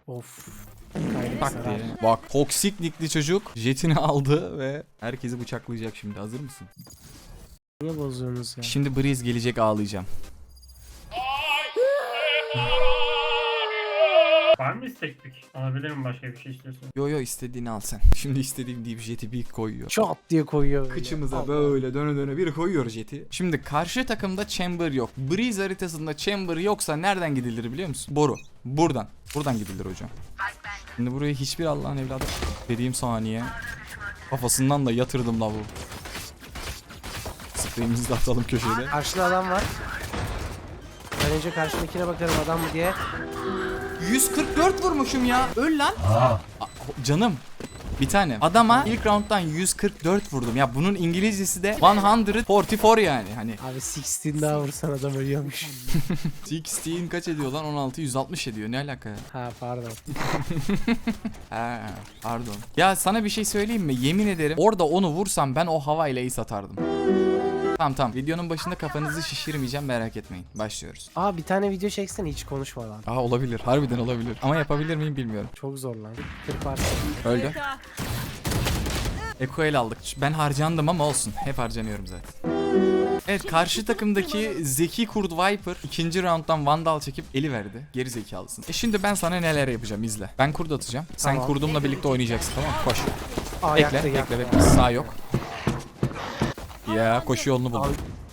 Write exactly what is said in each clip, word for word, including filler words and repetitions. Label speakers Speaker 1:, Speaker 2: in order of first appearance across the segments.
Speaker 1: Of.
Speaker 2: Tak diye. Bak toksik nickli çocuk jetini aldı ve herkesi bıçaklayacak şimdi. Hazır mısın?
Speaker 1: Niye bozuyorsunuz ya?
Speaker 2: Şimdi Breeze gelecek, ağlayacağım.
Speaker 3: Var mı isteklik? Alabilir mi, başka bir şey istiyorsun?
Speaker 2: Yo yo, istediğini al sen. Şimdi istediğim deyip jeti bir koyuyor.
Speaker 1: Çat diye koyuyor. böyle.
Speaker 2: Kıçımıza
Speaker 1: Allah.
Speaker 2: böyle döne döne bir koyuyor jeti. Şimdi karşı takımda chamber yok. Breeze haritasında chamber yoksa nereden gidilir biliyor musun? Boru. Buradan. Buradan gidilir hocam. Şimdi buraya hiçbir Allah'ın evladı dediğim saniye kafasından da yatırdım lavu. Spreyimizi de atalım köşede.
Speaker 1: Karşıda adam var. Ben önce karşımdakine bakarım adam mı diye.
Speaker 2: yüz kırk dört vurmuşum ya. Öl lan. Aa, canım. Bir tane. Adama ilk round'dan yüz kırk dört vurdum. Ya bunun İngilizcesi de yüz kırk dört yani. Hani
Speaker 1: Abi on daha vursan adam ölüyormuş.
Speaker 2: on kaç ediyor lan? on altı yüz altmış ediyor. Ne alaka ya?
Speaker 1: Ha pardon.
Speaker 2: Ha, pardon. Ya sana bir şey söyleyeyim mi? Yemin ederim orada onu vursam ben o havayla ace atardım. Tamam tamam. Videonun başında kafanızı şişirmeyeceğim, merak etmeyin. Başlıyoruz.
Speaker 1: Aa bir tane video çeksene hiç konuşmadan.
Speaker 2: Aa olabilir. Harbiden olabilir. Ama yapabilir miyim bilmiyorum.
Speaker 1: Çok zor lan. kırk parça.
Speaker 2: Öldü. Eko el aldık. Ben harcandım ama olsun. Hep harcanıyorum zaten. Evet, karşı takımdaki Zeki Kurt Viper ikinci rounddan Vandal çekip eli verdi. Geri zekalısın. E şimdi ben sana neler yapacağım, izle. Ben kurt atacağım. Sen
Speaker 1: Tamam.
Speaker 2: kurdumla birlikte oynayacaksın, tamam mı? Koş.
Speaker 1: Aa
Speaker 2: Bekle,
Speaker 1: yaktı
Speaker 2: bekle,
Speaker 1: yaktı.
Speaker 2: bekle. Sağ yok. Ya koşu yolunu buldum.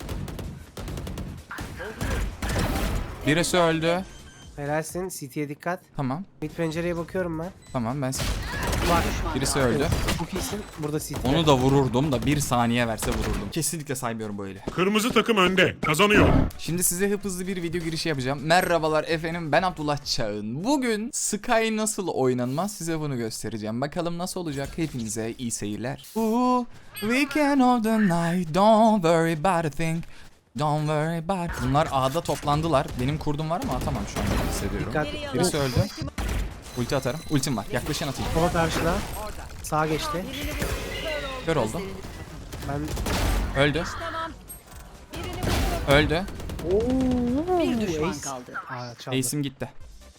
Speaker 2: Birisi öldü.
Speaker 1: Helalsin. C T'ye dikkat.
Speaker 2: Tamam.
Speaker 1: Mid pencereye bakıyorum ben.
Speaker 2: Tamam ben.
Speaker 1: Bak.
Speaker 2: Birisi öldü.
Speaker 1: Çok iyisin. Burada C T.
Speaker 2: Onu da vururdum da bir saniye verse vururdum. Kesinlikle saymıyorum böyle.
Speaker 4: Kırmızı takım önde. Kazanıyor.
Speaker 2: Şimdi size hıp hızlı bir video girişi yapacağım. Merhabalar efendim, ben Abdullah Çağın. Bugün Sky nasıl oynanmaz size bunu göstereceğim. Bakalım nasıl olacak, hepinize iyi seyirler. Ooh, weekend of the night, don't worry about a thing. Don't worry about. Bunlar A'da toplandılar. Benim kurdum var ama atamam şu an, hissediyorum.
Speaker 1: Dikkat.
Speaker 2: Birisi öldü. Ulti atarım. Ultim var. Yaklaşan atayım.
Speaker 1: Sola karşıda. Sağa geçti.
Speaker 2: Kör oldu.
Speaker 1: Ben...
Speaker 2: Öldü. Öldü.
Speaker 1: Ooo.
Speaker 5: Bir düşman
Speaker 1: Ace.
Speaker 5: kaldı.
Speaker 1: Aa çaldı.
Speaker 2: Ace'im gitti.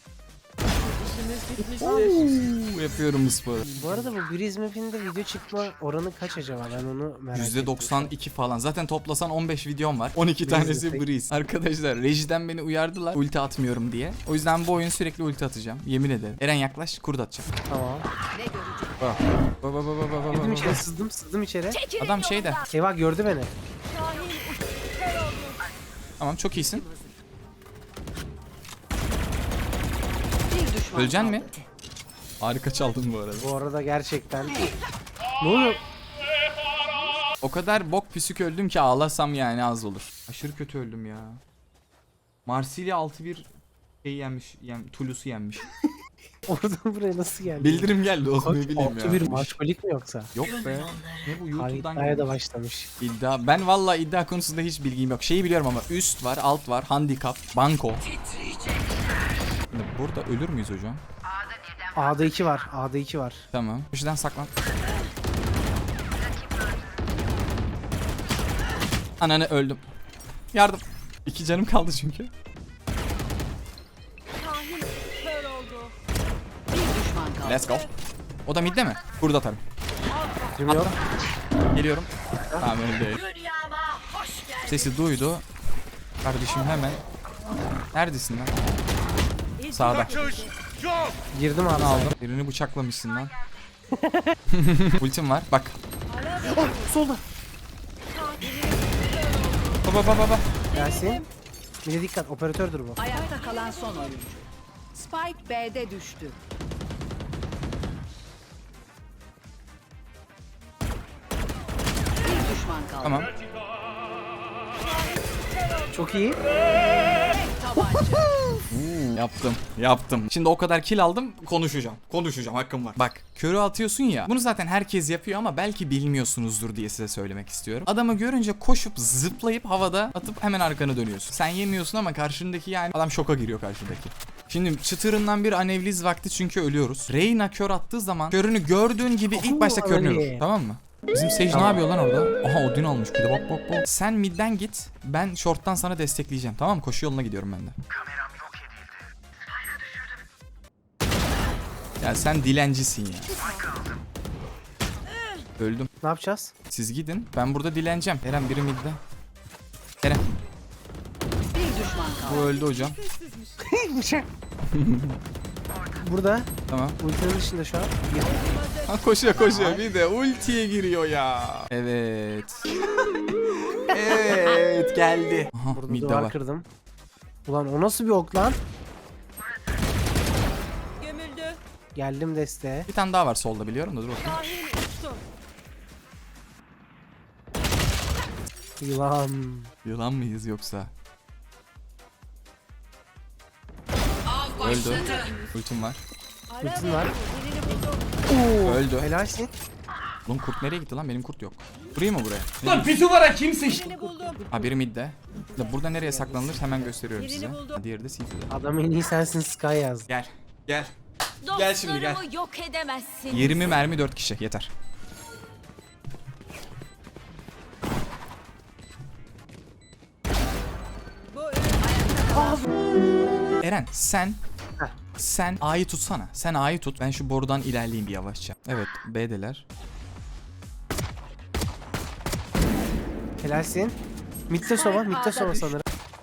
Speaker 2: Oo, yapıyorum bu sporu.
Speaker 1: Bu arada bu Breeze Map'in de video çıkma oranı kaç acaba? Ben onu merak
Speaker 2: yüzde
Speaker 1: ettim.
Speaker 2: doksan iki falan. Zaten toplasan on beş videom var. on iki tanesi
Speaker 1: peki.
Speaker 2: Breeze. Arkadaşlar rejiden beni uyardılar ulti atmıyorum diye. O yüzden bu oyun sürekli ulti atacağım. Yemin ederim. Eren yaklaş, kurt atacağım.
Speaker 1: Tamam.
Speaker 2: Bak. Bak bak bak bak bak,
Speaker 1: Girdim
Speaker 2: bak.
Speaker 1: içeri sızdım sızdım içeri.
Speaker 2: Adam şeyde.
Speaker 1: Eyvah gördü beni.
Speaker 2: Tamam, çok iyisin.
Speaker 5: Bir düşman
Speaker 2: Öleceksin
Speaker 5: kaldı.
Speaker 2: mi? Harika çaldın bu arada.
Speaker 1: Bu arada gerçekten. Ne oluyor?
Speaker 2: O kadar bok püsük öldüm ki ağlasam yani az olur. Aşırı kötü öldüm ya. Marsilya altı bir şey yenmiş. Yem, Toulouse'u yenmiş.
Speaker 1: Oradan buraya nasıl geldi?
Speaker 2: Bildirim geldi oğlum, ne bileyim
Speaker 1: Altı
Speaker 2: ya.
Speaker 1: bir maçkolik mi yoksa?
Speaker 2: Yok be. Ne bu, YouTube'dan
Speaker 1: İddiaya da
Speaker 2: gelmiş.
Speaker 1: başlamış.
Speaker 2: İddia. Ben valla iddia konusunda hiç bilgim yok. Şeyi biliyorum ama üst var, alt var, handikap, banko. Şimdi burada ölür müyüz hocam?
Speaker 1: A'da iki var. A'da iki var.
Speaker 2: Tamam. Köşeden saklan. Ananı, öldüm. Yardım. İki canım kaldı çünkü.
Speaker 5: Bir düşman kaldı.
Speaker 2: Let's go. O da midde mi? Burada atarım.
Speaker 1: Bilmiyor.
Speaker 2: Geliyorum. Tamam, öyle. Sesi duydu. Kardeşim hemen. Neredesin lan? Sağda.
Speaker 1: Girdim abi.
Speaker 2: Aldım. Birini bıçaklamışsın lan. Ultim var. Bak.
Speaker 1: Solda.
Speaker 2: Baba baba baba.
Speaker 1: Yasin. Bir de dikkat. Operatördür bu.
Speaker 5: Ayakta kalan son oyuncu. Spike B'de düştü. Bir düşman kaldı.
Speaker 2: Tamam.
Speaker 1: Çok iyi.
Speaker 5: Tabanca.
Speaker 2: Yaptım. Yaptım. Şimdi o kadar kill aldım. Konuşacağım. Konuşacağım. Hakkım var. Bak. Körü atıyorsun ya. Bunu zaten herkes yapıyor ama belki bilmiyorsunuzdur diye size söylemek istiyorum. Adamı görünce koşup zıplayıp havada atıp hemen arkanı dönüyorsun. Sen yemiyorsun ama karşındaki, yani adam şoka giriyor karşındaki. Şimdi çıtırından bir anevliz vakti çünkü ölüyoruz. Reyna kör attığı zaman körünü gördüğün gibi ilk başta
Speaker 1: Oo,
Speaker 2: körünüyor.
Speaker 1: öyle.
Speaker 2: Tamam mı? Bizim Sage ne yapıyor lan orada? Aha, Odin almış bir de, bak bak bak. Sen midden git. Ben short'tan sana destekleyeceğim. Tamam mı? Koşu yoluna gidiyorum ben de. Ya sen dilencisin ya. Öldüm.
Speaker 1: Ne yapacağız?
Speaker 2: Siz gidin. Ben burada dileneceğim. Eren biri midde. Eren.
Speaker 5: Bir düşman kaldı.
Speaker 2: Bu öldü hocam.
Speaker 1: Burada.
Speaker 2: Tamam.
Speaker 1: Ultinin dışında şu an.
Speaker 2: Ha, koşuyor koşuyor. Bir de ultiye giriyor ya. Evet. Evet geldi. Aha,
Speaker 1: Burada
Speaker 2: midde
Speaker 1: duvar
Speaker 2: var.
Speaker 1: kırdım. Ulan o nasıl bir ok lan?
Speaker 5: Gömüldü.
Speaker 1: Geldim desteğe.
Speaker 2: Bir tane daha var solda biliyorum da dur bakayım.
Speaker 5: Şahin uçtu.
Speaker 1: Yılan.
Speaker 2: Yılan mıyız yoksa? Öldü. Ultim var.
Speaker 1: Ultin var.
Speaker 5: Birini buldum.
Speaker 2: Öldü.
Speaker 1: Helalsin.
Speaker 2: Lan kurt nereye gitti lan? Benim kurt yok. Burayı mı buraya?
Speaker 6: Lan pisuvara kim sıçtı?
Speaker 5: Birini buldum.
Speaker 2: Ha biri midde. Ya burada nereye saklanılır hemen gösteriyorum
Speaker 5: Birini
Speaker 2: size.
Speaker 5: buldum.
Speaker 2: Ha, diğeri de City'de.
Speaker 1: Adam en iyi sensin Sky yazdı.
Speaker 2: Gel. Gel. Gel şimdi, gel.
Speaker 7: Dostlarımı yok edemezsin.
Speaker 2: yirmi mermi dört kişi yeter.
Speaker 5: Bu ayakta
Speaker 2: Eren sen
Speaker 1: Heh.
Speaker 2: sen A'yı tutsana. Sen A'yı tut. Ben şu borudan ilerleyeyim bir yavaşça. Evet B'deler.
Speaker 1: Helalsin. Mitte sova, mitte sova sanırım.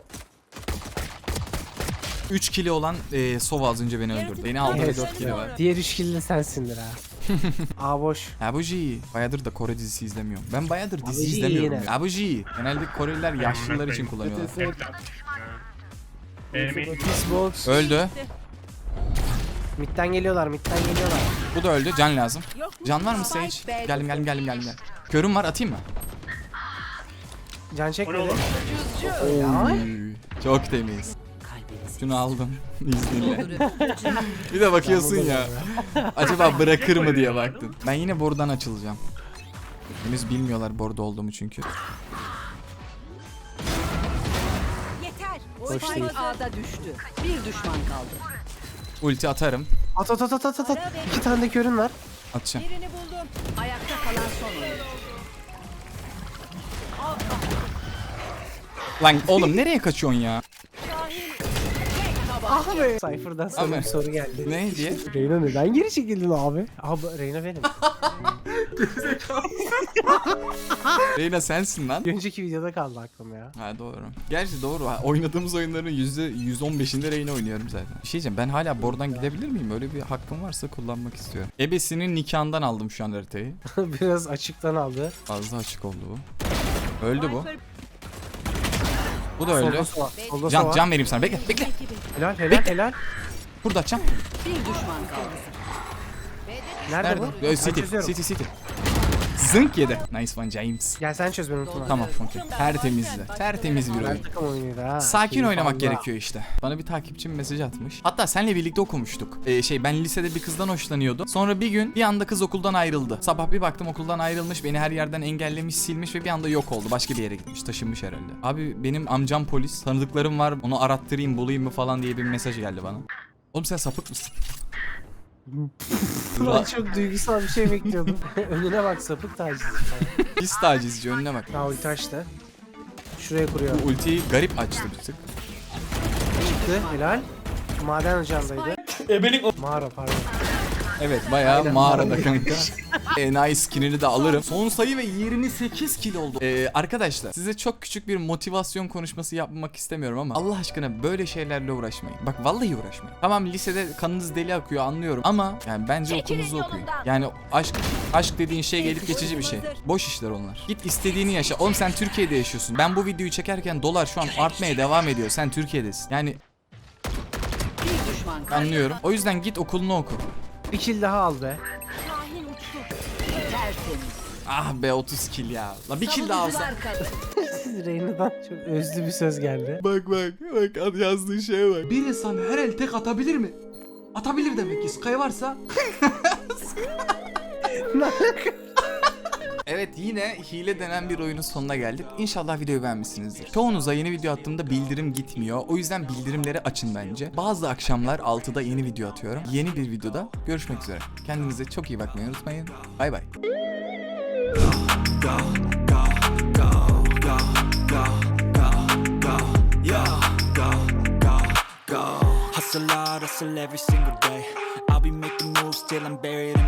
Speaker 2: üç kili olan e, Sova az önce beni öldürdü. Beni aldı ve
Speaker 1: Evet.
Speaker 2: dört kili var.
Speaker 1: Diğer üç kill de sensindir ha. A boş.
Speaker 2: Abuji. Bayağıdır da Kore dizisi izlemiyorum. Ben bayağıdır dizi
Speaker 1: Abuji
Speaker 2: izlemiyorum
Speaker 1: yine.
Speaker 2: ya. Abuji. Genelde Koreliler yaşlılar için kullanıyorlar.
Speaker 3: Benim
Speaker 1: Xbox.
Speaker 2: Öldü.
Speaker 1: Midden geliyorlar, midden geliyorlar.
Speaker 2: Bu da öldü. Can lazım.
Speaker 5: yok mu?
Speaker 2: Can var mı Sage?
Speaker 5: Spike B'de.
Speaker 2: Geldim geldim geldim geldim. geldim. Körüm var atayım mı?
Speaker 1: Can
Speaker 3: O ne
Speaker 1: çekmedi.
Speaker 3: oğlum?
Speaker 2: Oy, çok temiz. Şunu aldım izninle. Bir de bakıyorsun ya. Acaba bırakır mı diye baktın. Ben yine borudan açılacağım. Henüz bilmiyorlar borda olduğumu çünkü.
Speaker 5: Yeter.
Speaker 1: Hoş
Speaker 5: Spike
Speaker 1: değil.
Speaker 5: A'da düştü. Bir düşman kaldı.
Speaker 2: Ulti atarım.
Speaker 1: At at at at at at. at. İki tane de körün var.
Speaker 2: Atacağım.
Speaker 5: Birini buldum. Ayakta kalan son oyuncu.
Speaker 2: Lan oğlum nereye kaçıyorsun ya?
Speaker 1: Ah be. Cypher'dan sana
Speaker 2: Abi.
Speaker 1: bir soru geldi.
Speaker 2: Ne diye?
Speaker 1: Reyna neden geri çekildin abi? Abi Reyna benim.
Speaker 2: Reyna sensin lan.
Speaker 1: Bir önceki videoda kaldı aklım ya.
Speaker 2: Ha doğru. Gerçi doğru. Ha, oynadığımız oyunların yüzde yüz on beşinde Reyna oynuyorum zaten. Bir şey diyeceğim, ben hala bordan gidebilir miyim? Öyle bir hakkım varsa kullanmak istiyorum. Ebesinin nikahından aldım şu an haritayı.
Speaker 1: Biraz açıktan aldı.
Speaker 2: Fazla açık oldu bu. Öldü bu. Bu da öldü.
Speaker 1: Solda sova. Solda
Speaker 2: Can,
Speaker 1: sova.
Speaker 2: can vereyim sana. Bekle, bekle.
Speaker 1: Helal helal helal.
Speaker 2: Burada açacağım.
Speaker 5: Bir düşman kaldı.
Speaker 1: Nerede,
Speaker 2: Nerede?
Speaker 1: bu?
Speaker 2: Yo,
Speaker 1: Ben
Speaker 2: City,
Speaker 1: çözüyorum.
Speaker 2: City, City. Zınk yedi. Nice one James.
Speaker 1: Gel sen çöz benim unutma.
Speaker 2: Tamam, okey. Tertemizdi. Tertemiz bir
Speaker 1: Ben
Speaker 2: oyun.
Speaker 1: takım oyunuydu ha.
Speaker 2: Sakin
Speaker 1: Keyif
Speaker 2: oynamak
Speaker 1: Allah.
Speaker 2: gerekiyor işte. Bana bir takipçim mesaj atmış. Hatta seninle birlikte okumuştuk. Ee, şey ben lisede bir kızdan hoşlanıyordum. Sonra bir gün bir anda kız okuldan ayrıldı. Sabah bir baktım okuldan ayrılmış. Beni her yerden engellemiş, silmiş ve bir anda yok oldu. Başka bir yere gitmiş, taşınmış herhalde. Abi benim amcam polis. Tanıdıklarım var. Onu arattırayım, bulayım mı falan diye bir mesaj geldi bana. Oğlum sen sapık mısın?
Speaker 1: Ben çok duygusal bir şey bekliyordum. Önüne bak, sapık taciz falan.
Speaker 2: Pis tacizci, önüne bak.
Speaker 1: Ha ulti açtı. Şuraya kuruyor.
Speaker 2: Bu ultiyi garip açtı bir tık.
Speaker 1: Çıktı helal. Maden ocağındaydı.
Speaker 6: Ebelik o...
Speaker 1: Mağara pardon.
Speaker 2: Evet bayağı
Speaker 1: Aynen,
Speaker 2: mağarada
Speaker 1: mağara.
Speaker 2: kanka. Enayi skinini de alırım. Son sayı ve yirmi sekiz kill oldu. Ee, arkadaşlar size çok küçük bir motivasyon konuşması yapmak istemiyorum ama Allah aşkına böyle şeylerle uğraşmayın. Bak vallahi uğraşmayın. Tamam lisede kanınız deli akıyor anlıyorum ama yani bence
Speaker 7: Çekilin
Speaker 2: okulunuzu okuyun.
Speaker 7: yolumdan.
Speaker 2: Yani aşk aşk dediğin şey gelip geçici bir şey. Boş işler onlar. Git istediğini yaşa. Oğlum sen Türkiye'de yaşıyorsun. Ben bu videoyu çekerken dolar şu an artmaya devam ediyor. Sen Türkiye'desin. Yani
Speaker 5: Bir düşman kaldı.
Speaker 2: anlıyorum. O yüzden git okulunu oku.
Speaker 1: Bir kill daha al be.
Speaker 7: Şahin uçtu.
Speaker 5: Tertemiz.
Speaker 2: Ah be otuz kill ya. La bir kill daha alsa.
Speaker 5: Savunucular kaldı.
Speaker 1: Reyna'dan çok özlü bir söz geldi.
Speaker 2: Bak bak bak yazdığı şeye bak.
Speaker 6: Bir insan her el tek atabilir mi? Atabilir demek ki. Sky varsa
Speaker 2: Evet yine hile denen bir oyunun sonuna geldik. İnşallah videoyu beğenmişsinizdir. Çoğunuza yeni video attığımda bildirim gitmiyor. O yüzden bildirimleri açın bence. Bazı akşamlar altıda yeni video atıyorum. Yeni bir videoda görüşmek üzere. Kendinize çok iyi bakmayı unutmayın. Bay bay.
Speaker 8: Hustle hard, hustle every single day. I'll be making moves still I'm buried in